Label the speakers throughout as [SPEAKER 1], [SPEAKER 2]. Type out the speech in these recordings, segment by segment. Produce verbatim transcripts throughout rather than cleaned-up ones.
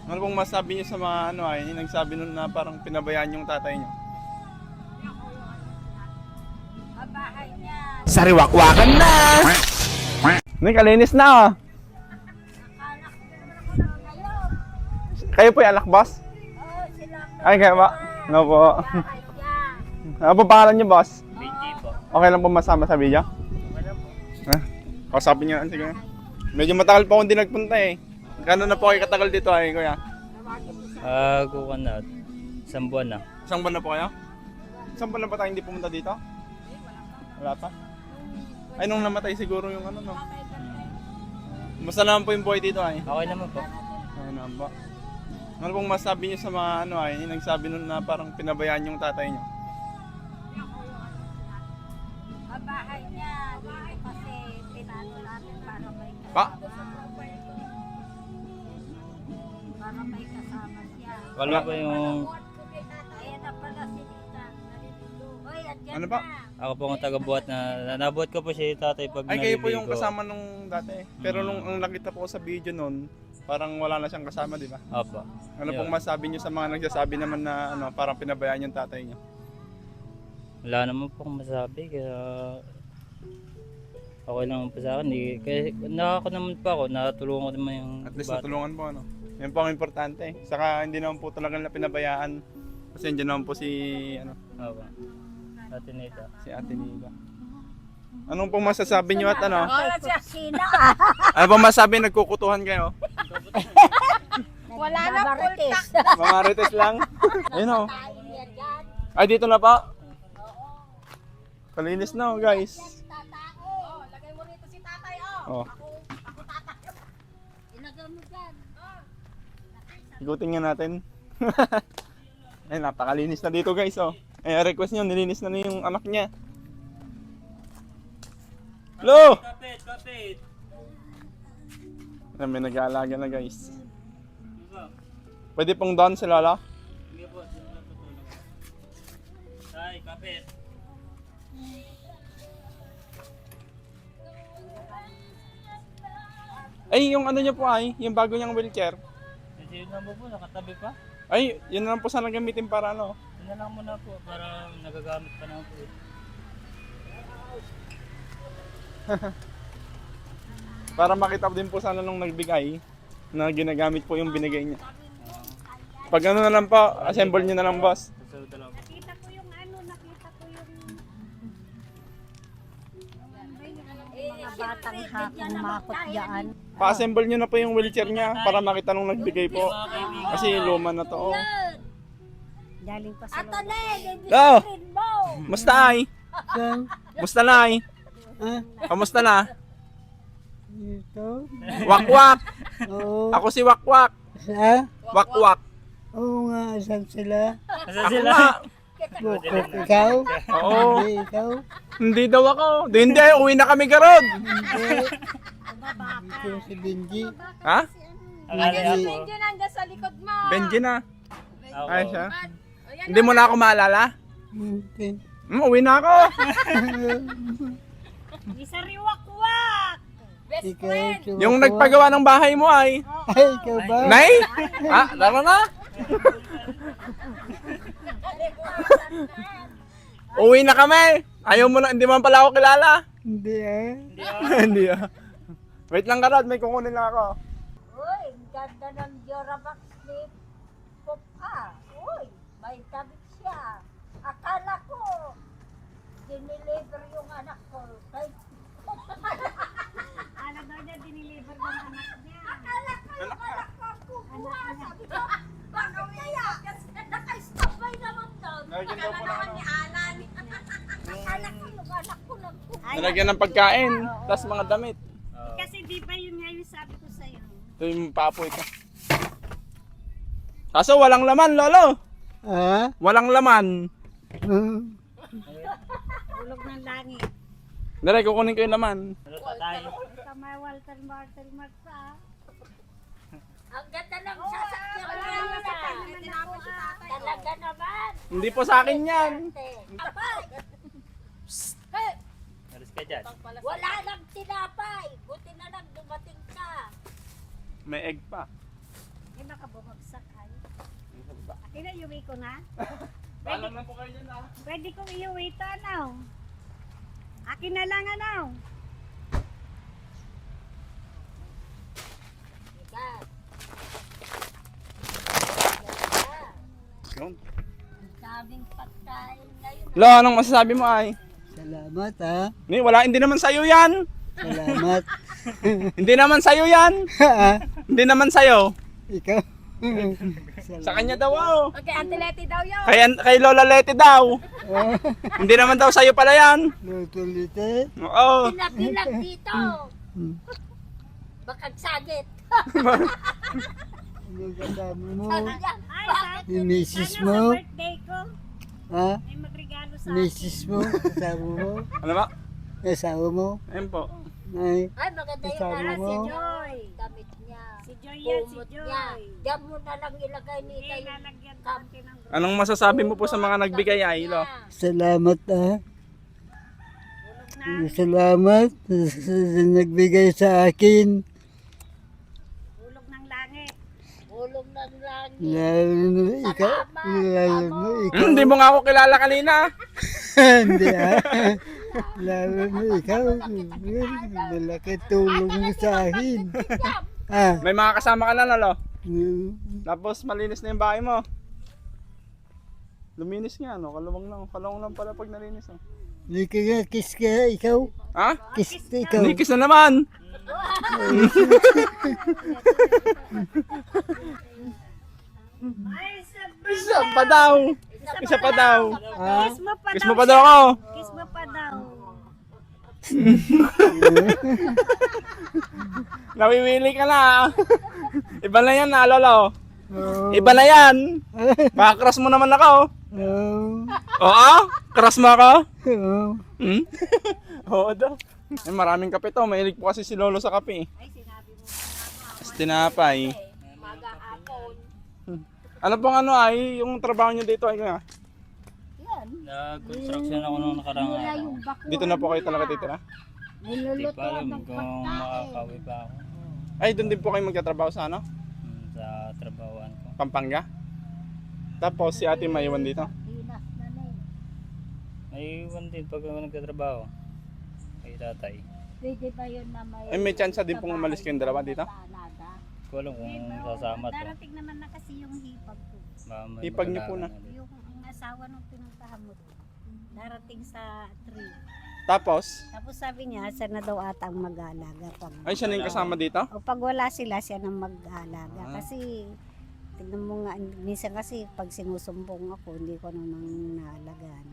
[SPEAKER 1] Ano pong masabi niyo sa mga ano ay, yung nagsabi nun na parang pinabayaan yung tatay niyo?
[SPEAKER 2] Babahay niya.
[SPEAKER 3] Sariwakwakan na!
[SPEAKER 1] Hindi, kalinis na oh.
[SPEAKER 2] Anak ko naman ngayon.
[SPEAKER 1] Kayo po yung alak, boss?
[SPEAKER 2] Oh, sila ang
[SPEAKER 1] Ay, kaya ba? No po.
[SPEAKER 2] bahay niya.
[SPEAKER 1] Ano po pangalan niyo, boss?
[SPEAKER 4] Benji po.
[SPEAKER 1] Okay lang po masama sa video?
[SPEAKER 4] Okay lang po.
[SPEAKER 1] Ha? Kausapin niyo, sige. Medyo matagal pa akong di nagpunta eh. Gano'n na po kayo katagal dito ay, kuya?
[SPEAKER 4] Ah, kuha na. Isang buwan na.
[SPEAKER 1] Isang buwan na po kayo? Isang buwan na ba tayo hindi pumunta dito? Wala pa? Ay, nung namatay siguro yung ano, no? Basta naman po yung buhay dito ay.
[SPEAKER 4] Okay naman po.
[SPEAKER 1] Ay, naman po. Ano pong masabi niyo sa mga ano ay, yung nagsabi nun na parang pinabayaan yung tatay niyo?
[SPEAKER 2] Babahay niya. Dito kasi pinano natin para may
[SPEAKER 1] Pa?
[SPEAKER 2] para may kasama siya.
[SPEAKER 4] Wala pa yung...
[SPEAKER 2] Ayan na pala si Lita. Hoy, andyan
[SPEAKER 1] Ano pa?
[SPEAKER 2] na.
[SPEAKER 4] Ako po ang taga-buhat na... Nabuhat ko po si tatay pag
[SPEAKER 1] Ay, kayo po yung
[SPEAKER 4] naliligo.
[SPEAKER 1] kasama nung dati. Pero nung ang nakita po ko sa video nun, parang wala na siyang kasama, di ba?
[SPEAKER 4] Opo.
[SPEAKER 1] Ano
[SPEAKER 4] Yun.
[SPEAKER 1] pong masabi niyo sa mga nagsasabi naman na ano, parang pinabayaan yung tatay niyo?
[SPEAKER 4] Wala naman po akong masabi kaya... Okay lang po sa akin. Eh. Kaya nakako naman po ako. Natulungan ko naman yung
[SPEAKER 1] At least
[SPEAKER 4] bata.
[SPEAKER 1] natulungan po, ano? Yan po ang importante. Saka hindi naman po talaga nila pinabayaan. Kasi hindi naman po si, ano,
[SPEAKER 4] Opo. Ate Nita.
[SPEAKER 1] si Ate Nida. Anong pong masasabi niyo at ano?
[SPEAKER 2] Wala siya sina.
[SPEAKER 1] Ano pong masabi? Nagkukutuhan kayo?
[SPEAKER 2] Wala na kultak.
[SPEAKER 1] Mga rites lang? Ayun o. Ay, dito na pa. Kalinis na oh, guys.
[SPEAKER 2] Oh, lagay mo rito si tatay, oh.
[SPEAKER 1] Oh.
[SPEAKER 2] Ako tatay. Ilagay mo dyan.
[SPEAKER 1] Ikutin nga natin. Ay, napakalinis na dito guys oh. Eh, request niyo, nilinis na na yung anak niya. Hello!
[SPEAKER 4] Kapit! Kapit!
[SPEAKER 1] Ay, may nag-aalaga na guys. Pwede pong down si Lola?
[SPEAKER 4] Sige po. Tay, kapit!
[SPEAKER 1] Ay, yung ano niya po ay, yung bago niyang wheelchair.
[SPEAKER 4] Kasi yun lang po, nakatabi pa.
[SPEAKER 1] Ay, yun na lang po sana gamitin para ano.
[SPEAKER 4] Yun na lang muna po para nagagamit pa naman po.
[SPEAKER 1] Para makita din po sana nung nagbigay na ginagamit po yung binigay niya. Pag ano na lang po, assemble niyo na lang boss.
[SPEAKER 4] Susunod na lang po.
[SPEAKER 2] Nakita ko yung ano, nakita ko yung... Mga batang humakot dyan.
[SPEAKER 1] Pa-assemble niyo na po yung wheelchair niya para makita nung nagbigay po. Kasi luma na to. Oh.
[SPEAKER 2] Galing pa sa Ato na eh,
[SPEAKER 1] Go!
[SPEAKER 2] mo.
[SPEAKER 1] Musta ay? Musta na ay? Kamusta na?
[SPEAKER 5] Ito?
[SPEAKER 1] Wakwak!
[SPEAKER 5] Oo.
[SPEAKER 1] Ako si Wakwak!
[SPEAKER 5] Ha?
[SPEAKER 1] Wakwak!
[SPEAKER 5] Oo nga, saan sila?
[SPEAKER 4] Nasaan
[SPEAKER 1] Ako
[SPEAKER 4] sila?
[SPEAKER 1] nga!
[SPEAKER 5] Bukok ikaw?
[SPEAKER 1] Oo!
[SPEAKER 5] Hindi ikaw?
[SPEAKER 1] Hindi daw ako! Di, hindi! Uwi na kami garod!
[SPEAKER 5] Hindi. Ito si Benji.
[SPEAKER 1] Ha?
[SPEAKER 4] Akala ako.
[SPEAKER 2] Yun nandiyan sa likod mo.
[SPEAKER 1] Benji na!
[SPEAKER 4] Ako.
[SPEAKER 1] Ay siya. Hindi mo na ako maalala?
[SPEAKER 5] Hindi.
[SPEAKER 1] Hmm, uwi na ako!
[SPEAKER 2] Isa riwak-wak. Best
[SPEAKER 5] Ikaw,
[SPEAKER 2] friend.
[SPEAKER 5] sumasawa.
[SPEAKER 1] Yung nagpagawa ng bahay mo ay...
[SPEAKER 5] Ay, ikaw ba?
[SPEAKER 1] Nay? Ha? Laro na? Uwi na kami! Ayaw mo na, hindi man pala ako kilala.
[SPEAKER 5] Hindi ah.
[SPEAKER 1] Hindi ah. Wait lang karad, may kukunin lang ako.
[SPEAKER 2] Uy, ang ganda ng Jorabox ni Pop ah. Uy, may tabit siya. Akala ko, diniliver yung anak ko. Kay... Ano daw niya diniliver ng anak niya? Akala ko yung anak ko kukuha. Sabi ko, bakit kaya? Kasi naka-standby naman daw.
[SPEAKER 1] Nalagyan daw po ng ano.
[SPEAKER 2] Alan. Akala ko yung anak ko nagkukuha.
[SPEAKER 1] Nalagyan ng pagkain, tas mga damit.
[SPEAKER 4] Oo.
[SPEAKER 2] Kasi di ba yun nga yung sabi ko sa'yo?
[SPEAKER 1] Ito yung papoy ko. Kaso walang laman, lolo.
[SPEAKER 5] Ah?
[SPEAKER 1] Walang laman.
[SPEAKER 5] Hmm.
[SPEAKER 2] Ulog ng langit.
[SPEAKER 1] Dali, kukunin ko yung laman.
[SPEAKER 4] Ano pa tayo?
[SPEAKER 2] Kamay Walter Martel Marta. Ang ganda ng sasakyan ko naman. Talaga naman.
[SPEAKER 1] Hindi po sa akin yan.
[SPEAKER 2] Apay!
[SPEAKER 4] Alis ka dyan.
[SPEAKER 2] Wala nang tinapay. Buti na lang dumating ka.
[SPEAKER 1] May egg pa.
[SPEAKER 2] Eh, nakabungag iuwi ko na?
[SPEAKER 1] Paalam na po kayo dyan ah.
[SPEAKER 2] Pwede kong iuwi ito, ano? Akin na lang, ano?
[SPEAKER 1] Yun.
[SPEAKER 2] Ang daming pagkain ngayon.
[SPEAKER 1] Lo, anong masasabi mo ay?
[SPEAKER 5] Salamat ha.
[SPEAKER 1] Ni, wala, hindi naman sa'yo yan.
[SPEAKER 5] Salamat.
[SPEAKER 1] Hindi naman sa'yo yan.
[SPEAKER 5] Ha?
[SPEAKER 1] Hindi naman sa'yo.
[SPEAKER 5] Ikaw.
[SPEAKER 1] Sa kanya daw oh.
[SPEAKER 2] Okay, Auntie Letty daw yun.
[SPEAKER 1] Kay, kay Lola Leti daw.
[SPEAKER 5] Ah,
[SPEAKER 1] Hindi naman daw sa'yo pala yan.
[SPEAKER 5] luto lite.
[SPEAKER 1] Oo.
[SPEAKER 2] Pinag-pinag dito.
[SPEAKER 5] Hmm.
[SPEAKER 2] Bakag sagit.
[SPEAKER 5] Ano kasama mo?
[SPEAKER 2] Sabi niya, bakit?
[SPEAKER 5] Yung misis
[SPEAKER 2] Sana
[SPEAKER 5] mo?
[SPEAKER 2] sa birthday ko,
[SPEAKER 5] Ha?
[SPEAKER 2] may magregalo sa
[SPEAKER 5] Misis mo? Kasama mo?
[SPEAKER 1] Ano ba?
[SPEAKER 5] Kasama mo?
[SPEAKER 1] Ayun po.
[SPEAKER 5] Ay,
[SPEAKER 2] Ay, maganda yung
[SPEAKER 5] Sabi
[SPEAKER 2] para
[SPEAKER 5] mo?
[SPEAKER 2] si Joy. Damit niya. Si Joy yan, si Joy. Diyan mo na lang ilagay ni Tay. Lalagyan natin ng
[SPEAKER 1] Anong masasabi mo po sa mga nagbigay ay, Lo?
[SPEAKER 5] salamat ha.
[SPEAKER 2] na.
[SPEAKER 5] Salamat sa sa nagbigay sa akin.
[SPEAKER 2] Ulog ng langit. Ulog ng langit.
[SPEAKER 5] Lalo na ikaw. Lalo na ikaw.
[SPEAKER 1] Hmm, hindi mo nga ako kilala kanina.
[SPEAKER 5] Hindi ah. Lalo na ikaw. Malaki tulong mo sa akin. Ah.
[SPEAKER 1] May mga kasama ka na, Lo. Tapos malinis na yung bahay mo. Luminis nga, no? Kalawang lang. Kalawang lang pala pag nalinis. Oh.
[SPEAKER 5] Hindi ka nga, kiss ka ikaw.
[SPEAKER 1] Ha?
[SPEAKER 5] Kiss ka ikaw.
[SPEAKER 1] Nikis na naman.
[SPEAKER 2] Ay, sa
[SPEAKER 1] Isa pa daw. Isa pa daw.
[SPEAKER 5] Ah.
[SPEAKER 2] kiss mo pa
[SPEAKER 1] Kiss
[SPEAKER 2] daw.
[SPEAKER 1] mo pa daw ako.
[SPEAKER 2] Kiss mo pa daw.
[SPEAKER 1] Nawiwili ka na. ah. Iba na yan, ah, Lolo.
[SPEAKER 5] Oh.
[SPEAKER 1] Iba na yan. Baka crush mo naman ako.
[SPEAKER 5] Oh.
[SPEAKER 1] Oo? Crush mo ako?
[SPEAKER 5] Oh.
[SPEAKER 1] Hmm? Oo daw. Eh, maraming kape to. Mahilig po kasi si Lolo sa kape.
[SPEAKER 2] Ay, sinabi mo
[SPEAKER 1] Tapos tinapay.
[SPEAKER 2] mag-aapon.
[SPEAKER 1] Ano pong ano ay, yung trabaho nyo dito ay nga?
[SPEAKER 2] Yan.
[SPEAKER 4] Nag-construction ako nung nakarang
[SPEAKER 2] Wala
[SPEAKER 4] araw.
[SPEAKER 2] yung bakura.
[SPEAKER 1] Dito na po kayo talaga titira?
[SPEAKER 4] Hindi
[SPEAKER 2] Niluluto
[SPEAKER 4] pa alam
[SPEAKER 2] ng
[SPEAKER 4] kung
[SPEAKER 2] pagkain.
[SPEAKER 4] makakawi pa ako
[SPEAKER 1] Ay, doon din po kayo magtatrabaho sa ano?
[SPEAKER 4] hmm, sa trabahoan ko.
[SPEAKER 1] Pampanga? Tapos si ate maiwan dito?
[SPEAKER 2] Dinas na na eh.
[SPEAKER 4] May iwan din pag ako nagtatrabaho. Kay tatay.
[SPEAKER 2] Pwede ba yun na may...
[SPEAKER 1] Eh, may chance din pong umalis kayong dalawa dito?
[SPEAKER 4] Hindi ko alam kung sasama to.
[SPEAKER 2] Darating naman na kasi yung hipag ko.
[SPEAKER 4] Baka may
[SPEAKER 1] Ipag niyo po na.
[SPEAKER 4] magkakaroon ulit.
[SPEAKER 2] Yung ang asawa nung pinuntahan mo doon. Darating sa tree.
[SPEAKER 1] Tapos,
[SPEAKER 2] Tapos sabi niya, siya na daw ata ang mag-aalaga. Pag,
[SPEAKER 1] ay siya na yung kasama dito?
[SPEAKER 2] o pag wala sila, siya na mag-aalaga.
[SPEAKER 1] Ah.
[SPEAKER 2] Kasi, tignan mo nga, minsan kasi pag sinusumbong ako, hindi ko namang naalagaan.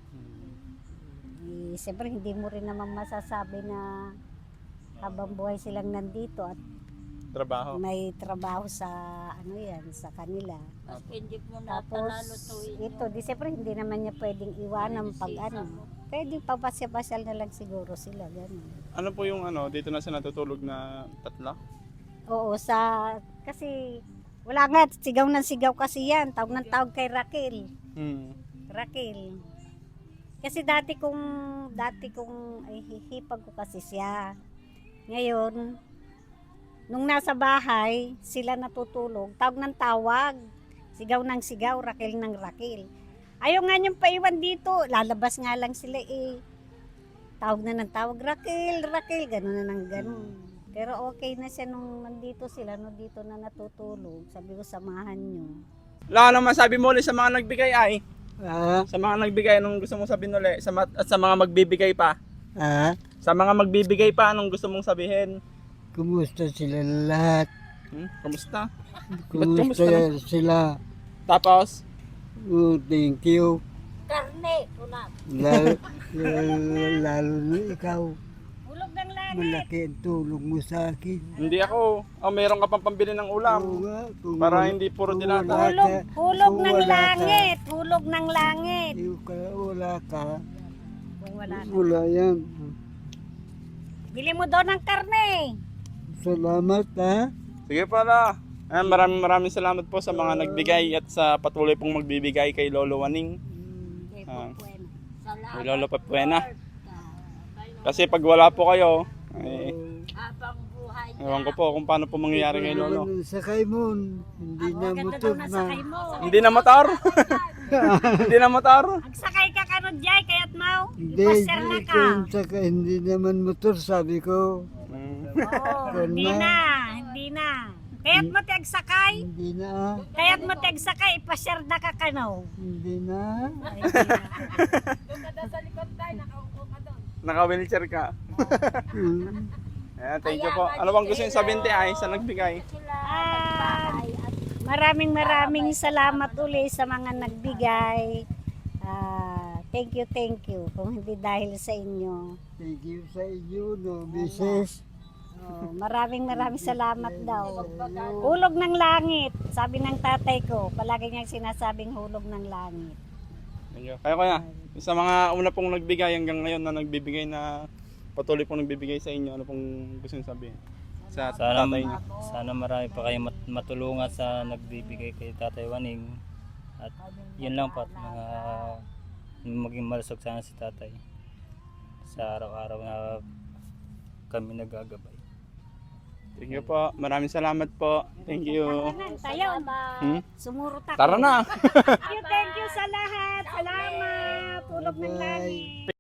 [SPEAKER 2] Eh, siyempre, hindi mo rin naman masasabi na habang buhay silang nandito at
[SPEAKER 1] Trabaho.
[SPEAKER 2] may trabaho sa ano yan, sa kanila.
[SPEAKER 3] Hindi mo
[SPEAKER 2] Tapos, ito, di siyempre, hindi naman niya pwedeng iwanan pag ano. Pwede papasya-pasyal na lang siguro sila, gano'n.
[SPEAKER 1] Ano po yung ano, dito na siya natutulog na tatlo?
[SPEAKER 2] Oo, sa, kasi, wala nga, sigaw ng sigaw kasi yan. Tawag ng tawag kay Raquel.
[SPEAKER 1] Hmm.
[SPEAKER 2] Raquel. Kasi dati kong, dati kong, ay hihipag ko kasi siya. Ngayon, nung nasa bahay, sila natutulog, tawag ng tawag. Sigaw ng sigaw, Raquel ng Raquel. Ayaw nga niyang paiwan dito, lalabas nga lang sila eh. Tawag na ng tawag, Raquel, Raquel, gano'n na ng gano'n. Pero okay na siya nung nandito sila, no, dito na natutulog. Sabi ko, samahan niyo.
[SPEAKER 1] Wala naman sabi mo ulit sa mga nagbigay ay.
[SPEAKER 5] Ah.
[SPEAKER 1] Sa mga nagbigay, anong gusto mong sabihin ulit? Sa ma- at sa mga magbibigay pa.
[SPEAKER 5] Ah.
[SPEAKER 1] Sa mga magbibigay pa, anong gusto mong sabihin?
[SPEAKER 5] Kumusta sila lahat?
[SPEAKER 1] Hmm? Kamusta?
[SPEAKER 5] Kumusta
[SPEAKER 1] kumusta
[SPEAKER 5] sila?
[SPEAKER 1] Tapos,
[SPEAKER 5] Oh, thank you.
[SPEAKER 2] Karne, kunat.
[SPEAKER 5] Lalo, lalo, lalo na ikaw.
[SPEAKER 2] Hulog ng langit.
[SPEAKER 5] Malaki ang tulong mo sa akin.
[SPEAKER 1] hindi ako. Oh, meron ka pang pambili ng
[SPEAKER 5] Oo
[SPEAKER 1] ulam.
[SPEAKER 5] nga, kung
[SPEAKER 1] Para
[SPEAKER 5] wala-
[SPEAKER 1] hindi puro
[SPEAKER 5] kung
[SPEAKER 1] dilata.
[SPEAKER 5] wala
[SPEAKER 2] Hulog,
[SPEAKER 5] ka-
[SPEAKER 2] hulog
[SPEAKER 5] kung
[SPEAKER 2] ng
[SPEAKER 5] wala ka-
[SPEAKER 2] langit. Hulog ng langit.
[SPEAKER 5] Kung ka- wala ka,
[SPEAKER 2] Kung wala ka.
[SPEAKER 5] wala yan.
[SPEAKER 2] Bili mo daw ng karne.
[SPEAKER 5] Salamat ha.
[SPEAKER 1] Sige pala. Ah, maraming maraming salamat po sa mga nagbigay at sa patuloy pong magbibigay kay Lolo Waning.
[SPEAKER 2] Kay
[SPEAKER 1] Ah.
[SPEAKER 2] Papuena.
[SPEAKER 1] Kay Lolo Papuena. Kasi pag wala po kayo, eh,
[SPEAKER 3] Habang buhay
[SPEAKER 1] Ewan ko po kung paano po mangyayari kay Lolo.
[SPEAKER 5] Naman ang sakay mo, hindi na
[SPEAKER 2] Maganda
[SPEAKER 5] motor
[SPEAKER 2] daw
[SPEAKER 5] na.
[SPEAKER 2] nasakay mo.
[SPEAKER 1] Hindi na motor. Hindi na motor.
[SPEAKER 2] Agsakay ka kanod jay, kaya't mau.
[SPEAKER 5] Hindi,
[SPEAKER 2] Ipaser na
[SPEAKER 5] hindi
[SPEAKER 2] ka.
[SPEAKER 5] ko yung sakay, hindi naman motor, sabi ko.
[SPEAKER 1] Mm.
[SPEAKER 2] Oo, hindi na, hindi na. Kaya't mo ti agsakay,
[SPEAKER 5] Hindi na,
[SPEAKER 2] kaya't mo ti agsakay, ipaser na ka kanaw.
[SPEAKER 5] hindi na.
[SPEAKER 2] Ay, hindi na.
[SPEAKER 1] Naka-wheelchair ka.
[SPEAKER 5] Hmm.
[SPEAKER 1] Ayan, thank you po. Ano bang gusto yung sabihin ti ay sa nagbigay?
[SPEAKER 2] Ah, maraming maraming salamat uli sa mga nagbigay. Ah, thank you, thank you. Kung hindi dahil sa inyo.
[SPEAKER 5] Thank you sa inyo, no, misis.
[SPEAKER 2] Oh, maraming maraming salamat daw. Hulog ng langit, sabi ng tatay ko. Palagi niyang sinasabing hulog ng langit.
[SPEAKER 1] Thank you. Kaya kuya, sa mga una pong nagbigay hanggang ngayon na nagbibigay na patuloy pong nagbibigay sa inyo, ano pong gusto nyo sabihin? Sa
[SPEAKER 4] Sana,
[SPEAKER 1] tatay niyo.
[SPEAKER 4] sana marami pa kayo mat- matulungan sa nagbibigay kay Tatay Waning. At yun lang po, at mga maging malusog sana si Tatay sa araw-araw na kami nagagabay.
[SPEAKER 1] Thank you po. Maraming salamat po. Thank you.
[SPEAKER 2] Tayo,
[SPEAKER 1] Hmm?
[SPEAKER 2] sumurot ako.
[SPEAKER 1] Tara na!
[SPEAKER 2] Thank you, thank you sa lahat. Salamat. Hulog ng langit.